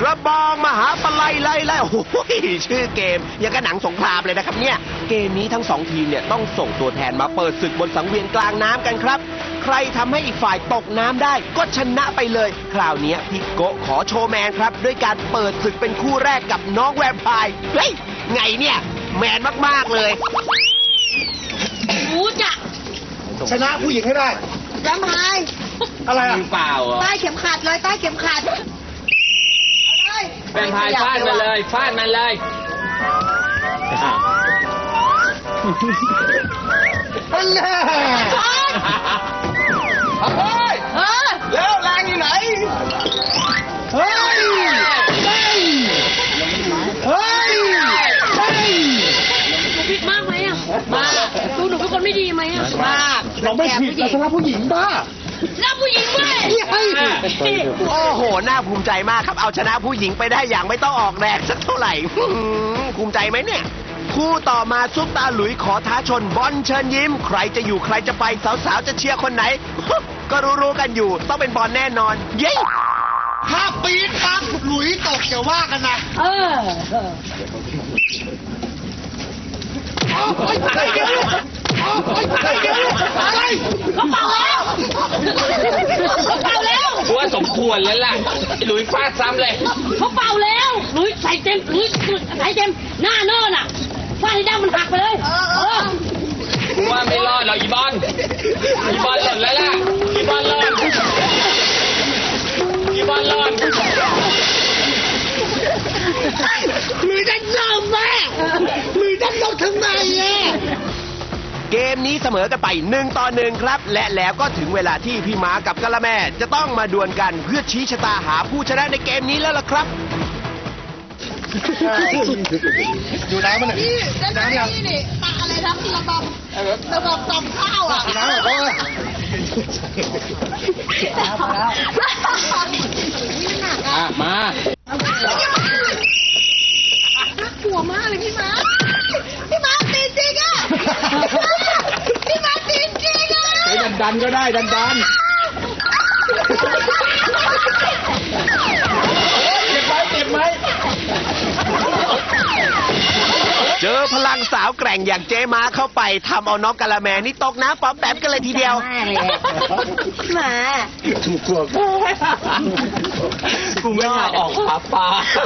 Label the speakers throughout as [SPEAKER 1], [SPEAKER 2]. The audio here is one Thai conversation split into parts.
[SPEAKER 1] ระบองมหาปลัยไล่โอ้โหชื่อเกมยังกับหนังสงครามเลยนะครับเนี่ยเกมนี้ทั้งสองทีมเนี่ยต้องส่งตัวแทนมาเปิดศึกบนสังเวียนกลางน้ำกันครับใครทำให้อีกฝ่ายตกน้ำได้ก็ชนะไปเลยคราวนี้พี่โกขอโชว์แมนครับด้วยการเปิดศึกเป็นคู่แรกกับน้องแวมไพร์เฮ้ยไงเนี่ยแมนมากๆเลย
[SPEAKER 2] รู้จะ
[SPEAKER 3] ชนะผู้หญิงให้ได้
[SPEAKER 2] จำหาย
[SPEAKER 3] อะไรอ่ะ
[SPEAKER 4] เปล่าเหรอ
[SPEAKER 2] ใต้เข็มขัดเลยใต้เข็มขัด
[SPEAKER 4] เป็นพายฟาดมันเลยฟาดมันเลยอ้าว
[SPEAKER 3] อันแน่เฮ้ย
[SPEAKER 2] เออ
[SPEAKER 3] แล้วแรงอยู่ไหน เฮ้ย เฮ้ย เฮ้ย เฮ้ย
[SPEAKER 2] ผิดมากไหมอ่ะมากดูหนูเป็นคนไม่ดีไหมอ่ะมาก
[SPEAKER 3] เราไม่ผิดเราชนะผู้หญิงบ้า
[SPEAKER 2] แล้วผู้หญิงด้วย
[SPEAKER 1] โอ้โห น่าภูมิใจมากครับ เอาชนะผู้หญิงไปได้อย่างไม่ต้องออกแรงสักเท่าไหร่ ภูมิใจไหมเนี่ย คู่ต่อมาซุปตาหลุยขอท้าชนบอลเชิญยิ้ม ใครจะอยู่ใครจะไปสาวๆจะเชียร์คนไหน ก็รู้ๆกันอยู่ ต้องเป็นบอลแน่นอน เย้
[SPEAKER 3] ถ้าปี๊ดปั๊บหลุยตกอย่าว่ากันนะ
[SPEAKER 2] เออ เขาเป่าแล้วเขาเป่าแล้ว
[SPEAKER 4] ว่าสมควรแล้วล่ะหลุยฟาดซ้ำเลย
[SPEAKER 2] เขาเป่าแล้วหลุยใส่เต็มหลุยใส่เต็มหน้าเนินอ่ะฟาดให้ด้ามมันหักไปเลย
[SPEAKER 4] ว่าไม่รอดหรอกอีบอลหล่นแล้วล่ะอีบอลหล่น
[SPEAKER 3] มือดันลมแม่มือดันลมทำไมอ่ะ
[SPEAKER 1] เกมนี้เสมอกันไป1-1ครับ และแล้วก็ถึงเวลาที่พี่ม้ากับกะละแม่จะต้องมาดวลกันเพื่อชี้ชะตาหาผู้ชนะในเกมนี้แล้วล่ะครับ
[SPEAKER 3] ดูน้ำมันหน่อย
[SPEAKER 2] นี่
[SPEAKER 3] น้ำยัง
[SPEAKER 2] นี่ปะอะไรนะระบบตำข้าวอ่ะ
[SPEAKER 3] น้ำแบบว่า
[SPEAKER 4] มา
[SPEAKER 2] น่ากลัวมากเลยพี่ม้าตีจริงอ่ะพี่ม้าตีจริงอ่ะ
[SPEAKER 3] ดันก็ได้ดันเจ็บไหม
[SPEAKER 1] เจอพลังสาวแกร่งอย่างเจม้าเข้าไปทำเอาน้องกะละแมนี่ตกน้ำป๊อมแปมกันเลยทีเดียว
[SPEAKER 2] หมา
[SPEAKER 3] กลัว
[SPEAKER 4] กูไม่อยากออกหาปลา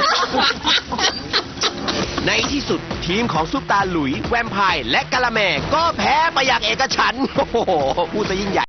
[SPEAKER 1] ในที่สุดทีมของซุปตาหลุยแวมไพร์และกะละแมก็แพ้ไปอย่างเอกฉันท์โอ้โหพูดซะยิ่งใหญ่